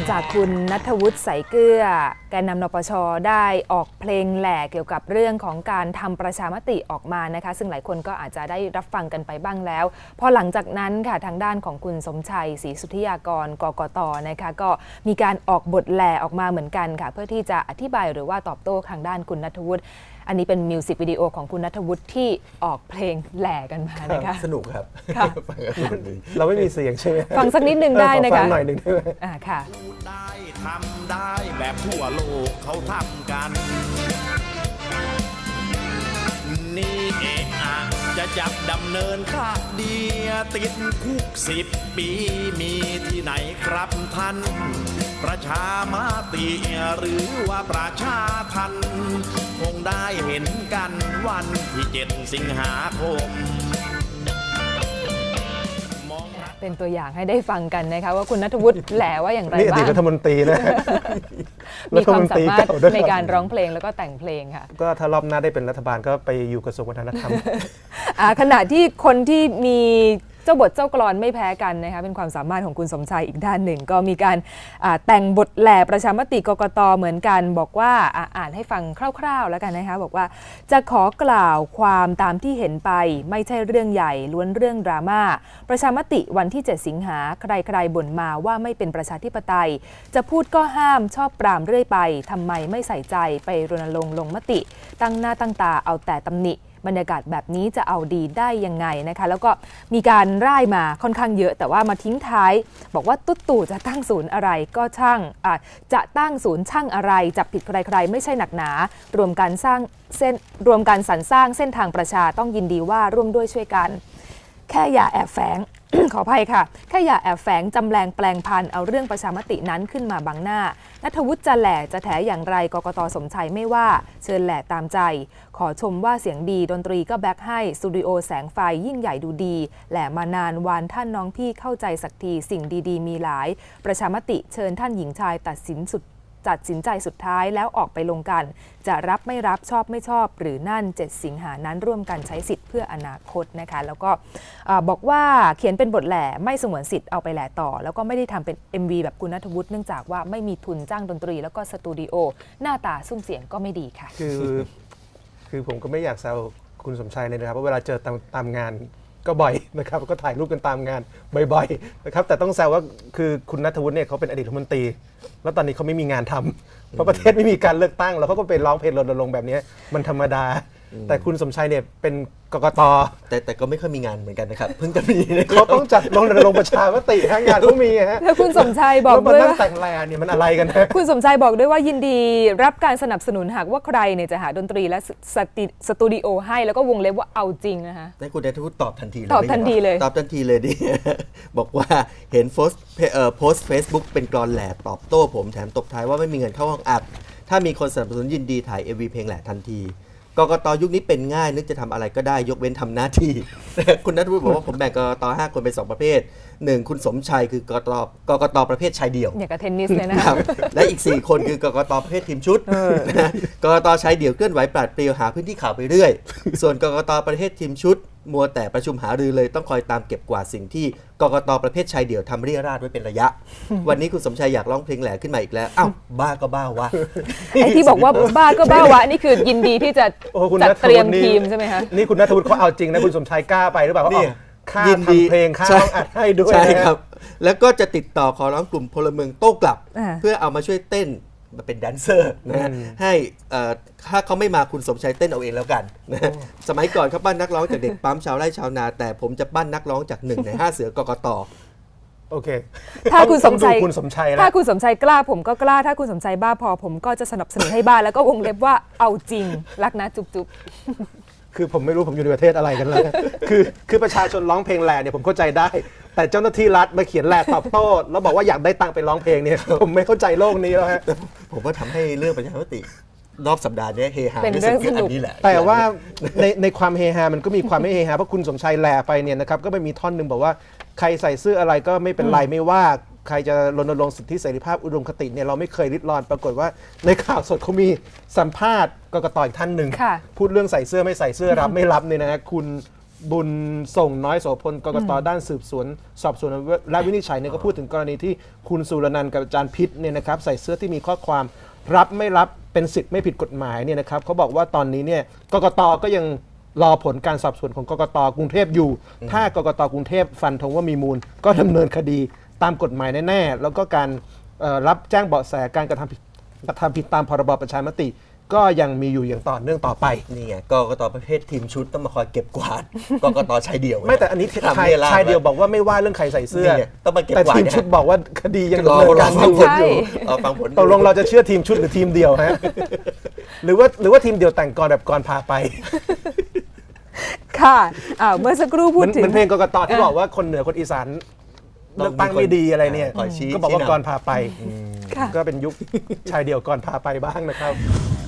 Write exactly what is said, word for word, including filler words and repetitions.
จากคุณณัฐวุฒิใสเกลือแกนนำนปช.ได้ออกเพลงแหล่เกี่ยวกับเรื่องของการทำประชามติออกมานะคะซึ่งหลายคนก็อาจจะได้รับฟังกันไปบ้างแล้วพอหลังจากนั้นค่ะทางด้านของคุณสมชัยศรีสุทธิยากรกกต.นะคะก็มีการออกบทแหล่ออกมาเหมือนกันค่ะเพื่อที่จะอธิบายหรือว่าตอบโต้ทางด้านคุณณัฐวุฒิอันนี้เป็นมิวสิกวิดีโอของคุณณัฐวุฒิที่ออกเพลงแหล่กันมานะคะสนุกครับเราไม่มีเสียงใช่ไหมฟังสักนิดนึงได้นะคะฟังหน่อยหนึ่งได้ไหมอ่าค่ะได้ทำได้แบบทั่วโลกเขาทำกันนี่เองอ่ะจะจับดำเนินคดีติดคุกสิบปีมีที่ไหนครับท่านประชามติหรือว่าประชาทันคงได้เห็นกันวันที่เจ็ดสิงหาคมเป็นตัวอย่างให้ได้ฟังกันนะคะว่าคุณณัฐวุฒิแหล่ว่าอย่างไรบ้างนี่อดีตรัฐมนตรีนะมีความสามารถในการร้องเพลงแล้วก็แต่งเพลงค่ะก็ถ้ารอบหน้าได้เป็นรัฐบาลก็ไปอยู่กระทรวงวัฒนธรรมขณะที่คนที่มีเจ้าบทเจ้ากลอนไม่แพ้กันนะคะเป็นความสามารถของคุณสมชัยอีกด้านหนึ่งก็มีการแต่งบทแหล่ประชามติกกต.เหมือนกันบอกว่าอ่านให้ฟังคร่าวๆแล้วกันนะคะบอกว่าจะขอกล่าวความตามที่เห็นไปไม่ใช่เรื่องใหญ่ล้วนเรื่องดราม่าประชามติวันที่เจ็ดสิงหาใครๆบ่นมาว่าไม่เป็นประชาธิปไตยจะพูดก็ห้ามชอบปรามเรื่อยไปทำไมไม่ใส่ใจไปรณรงค์ลงมติตั้งหน้าตั้งตาเอาแต่ตำหนิบรรยากาศแบบนี้จะเอาดีได้ยังไงนะคะแล้วก็มีการร่ายมาค่อนข้างเยอะแต่ว่ามาทิ้งท้ายบอกว่าตุ๊ดตู่จะตั้งศูนย์อะไรก็ช่างจะตั้งศูนย์ช่างอะไรจับผิดใครๆไม่ใช่หนักหนารวมกันสร้างเส้นรวมกันสรรสร้างเส้นทางประชาต้องยินดีว่าร่วมด้วยช่วยกันแค่อย่าแอบแฝง ขออภัยค่ะแค่อย่าแอบแฝงจำแรงแปลงพันเอาเรื่องประชามตินั้นขึ้นมาบังหน้าณัฐวุฒิจะแหล่จะแถอย่างไรกกต.สมชัยไม่ว่าเชิญแหล่ตามใจขอชมว่าเสียงดีดนตรีก็แบ็คให้สตูดิโอแสงไฟยิ่งใหญ่ดูดีแหล่มานานวานท่านน้องพี่เข้าใจสักทีสิ่งดีๆมีหลายประชามติเชิญท่านหญิงชายตัดสินสุดตัดสินใจสุดท้ายแล้วออกไปลงกันจะรับไม่รับชอบไม่ชอบหรือนั่นเจ็ดสิงหานั้นร่วมกันใช้สิทธิ์เพื่ออนาคตนะคะแล้วก็บอกว่าเขียนเป็นบทแหล่ไม่สงวนสิทธิ์เอาไปแหล่ต่อแล้วก็ไม่ได้ทำเป็น เอ็ม วี แบบคุณณัฐวุฒิเนื่องจากว่าไม่มีทุนจ้างดนตรีแล้วก็สตูดิโอหน้าตาซุ้มเสียงก็ไม่ดีค่ะคือคือผมก็ไม่อยากแซวคุณสมชัยเลยนะครับเพราะเวลาเจอตามตามงานก็บ่อยนะครับก็ถ่ายรูปกันตามงานบ่อยๆนะครับแต่ต้องแซวว่าคือคุณณัฐวุฒิเนี่ยเขาเป็นอดีตรัฐมนตรีแล้วตอนนี้เขาไม่มีงานทำเพราะประเทศไม่มีการเลือกตั้งแล้วเขาก็ไปร้องเพลงรณรงค์แบบนี้มันธรรมดาแต่คุณสมชัยเนี่ยเป็นกกต. แต่แต่ก็ไม่ค่อยมีงานเหมือนกันนะครับเพิ่งจะมีเขาต้องจัดรณรงค์ประชามติทั้งงานเขามีฮะแล้วคุณสมชัยบอกด้วยว่าแต่งแลเนี่ยมันอะไรกันนะคุณสมชัยบอกด้วยว่ายินดีรับการสนับสนุนหากว่าใครเนี่ยจะหาดนตรีและสตูดิโอให้แล้วก็วงเล็บว่าเอาจริงนะคะแต่คุณณัฐวุฒิตอบทันทีเลยตอบทันทีเลยตอบทันทีเลยดิบอกว่าเห็นโพสต์โพสต์เฟซบุ๊กเป็นกลอนแหล่ตอบโต้ผมแถมตบท้ายว่าไม่มีเงินเข้าห้องอัดถ้ามีคนสนับสนุนยินดีถ่าย เอ็ม วี เพลงแหล่ทันทีกกต.ยุคนี้เป็นง่ายนึกจะทำอะไรก็ได้ยกเว้นทำหน้าที่คุณณัฐวุฒิบอกว่าผมแบ่งกกต.ห้าคนเป็นสองประเภทหนึ่งคุณสมชัยคือกกต.กกต.ประเภทชายเดี่ยวอย่างกับเทนนิสเลยนะครับและอีกสี่คนคือกกต.ประเภททีมชุดกกต.ชายเดี่ยวเคลื่อนไหวปราดเปรียวหาพื้นที่ข่าวไปเรื่อยส่วนกกต.ประเภททีมชุดมัวแต่ประชุมหารือเลยต้องคอยตามเก็บกวาดสิ่งที่กกต.ประเภทชายเดี่ยวทำเรี่ยราดไว้เป็นระยะวันนี้คุณสมชัยอยากร้องเพลงแหล่ขึ้นมาอีกแล้วอ้าวบ้าก็บ้าวะไอ้ที่บอกว่าบ้าก็บ้าวะนี่คือยินดีที่จะจัดเตรียมทีมใช่ไหมคะนี่คุณณัฐวุฒิเขาเอาจริงนะคุณสมชัยกล้าไปหรือเปล่าเขาค่าทำเพลงค่าร้องอัดให้ด้วยใช่ครับแล้วก็จะติดต่อขอร้องกลุ่มพลเมืองโต้กลับเพื่อเอามาช่วยเต้นมาเป็นแดนเซอร์นะให้ถ้าเขาไม่มาคุณสมชัยเต้นเอาเองแล้วกันนะสมัยก่อนเขาปั้นนักร้องจากเด็กปั๊มชาวไร่ชาวนาแต่ผมจะปั้นนักร้องจากหนึ่งในห้าเสือกกต. โอเคถ้าคุณสมชัยคุณสมชัยถ้าคุณสมชัยกล้าผมก็กล้าถ้าคุณสมชัยบ้าพอผมก็จะสนับสนุนให้บ้าแล้วก็วงเล็บว่าเอาจริงรักนะจุ๊บจุ๊บคือผมไม่รู้ผมอยู่ในประเทศอะไรกันเลยคือคือประชาชนร้องเพลงแหล่เนี่ยผมเข้าใจได้แต่เจ้าหน้าที่รัฐมาเขียนแหล่ตอบโต้แล้วบอกว่าอยากได้ตังค์ไปร้องเพลงเนี่ยผมไม่เข้าใจโลกนี้แล้วฮะผมว่าทำให้เรื่องประชามติรอบสัปดาห์นี้เฮฮาเป็นเรื่องสนุกนี่แหละแต่ว่าในในความเฮฮามันก็มีความไม่เฮฮาเพราะคุณสมชัยแหล่ไปเนี่ยนะครับก็ไม่มีท่อนหนึ่งบอกว่าใครใส่เสื้ออะไรก็ไม่เป็นไรไม่ว่าใครจะรณรงค์สิทธิเสรีภาพอุดมคติเนี่ยเราไม่เคยริดรอนปรากฏว่าในข่าวสดเขามีสัมภาษณ์กกต.อีกท่านหนึ่งพูดเรื่องใส่เสื้อไม่ใส่เสื้อรับไม่รับเนี่ยนะคุณบุญส่งน้อยโสพลกกตด้านสืบสวนสอบสวนและวินิจฉัยเนี่ยก็พูดถึงกรณีที่คุณสุรนันท์กับอาจารย์พิษเนี่ยนะครับใส่เสื้อที่มีข้อความรับไม่รับเป็นสิทธิ์ไม่ผิดกฎหมายเนี่ยนะครับเขาบอกว่าตอนนี้เนี่ยกกตก็ยังรอผลการสอบสวนของกกตกรุงเทพอยู่ ถ้ากกตกรุงเทพฟันธงว่ามีมูลก็ดำเนินคดีตามกฎหมายแน่ๆแล้วก็การเอ่อรับแจ้งเบาะแสการกระทำผิดกระทำผิดตามพรบประชามติก็ยังมีอยู่อย่างต่อเนื่องต่อไปนี่ไงกกตประเภททีมชุดต้องมาคอยเก็บกวาด กกตชายเดี่ยวไม่แต่อันนี้ทำชายให้ลชายเดียวบอกว่าไม่ว่าเรื่องใครใส่เสื้อนี่ไงต้องมาเก็บแต่กวาดทีมชุดบอกว่าคดียังรอดำเนินรอการฟัอง ยู่ผลอยู่รอฟังผลอยู่ตกลงเราจะเชื่อทีมชุดหรือทีมเดียวฮะ หรือว่าหรือว่าทีมเดียวแต่งกรแบบกรพาไปค่ะอ่าเมื่อสักครู่เหพูมืดอนถึเหงมือนเพลงกกตที่บอกว่าคนเหนือคนอีสานเลือกตั้งไม่ดีอะไรเนี่ยคอยชี้ก็บอกว่าชี้นำกรพาไปค่ะก็เป็นยุคชายเดียวกรพาไปบ้างนะครับ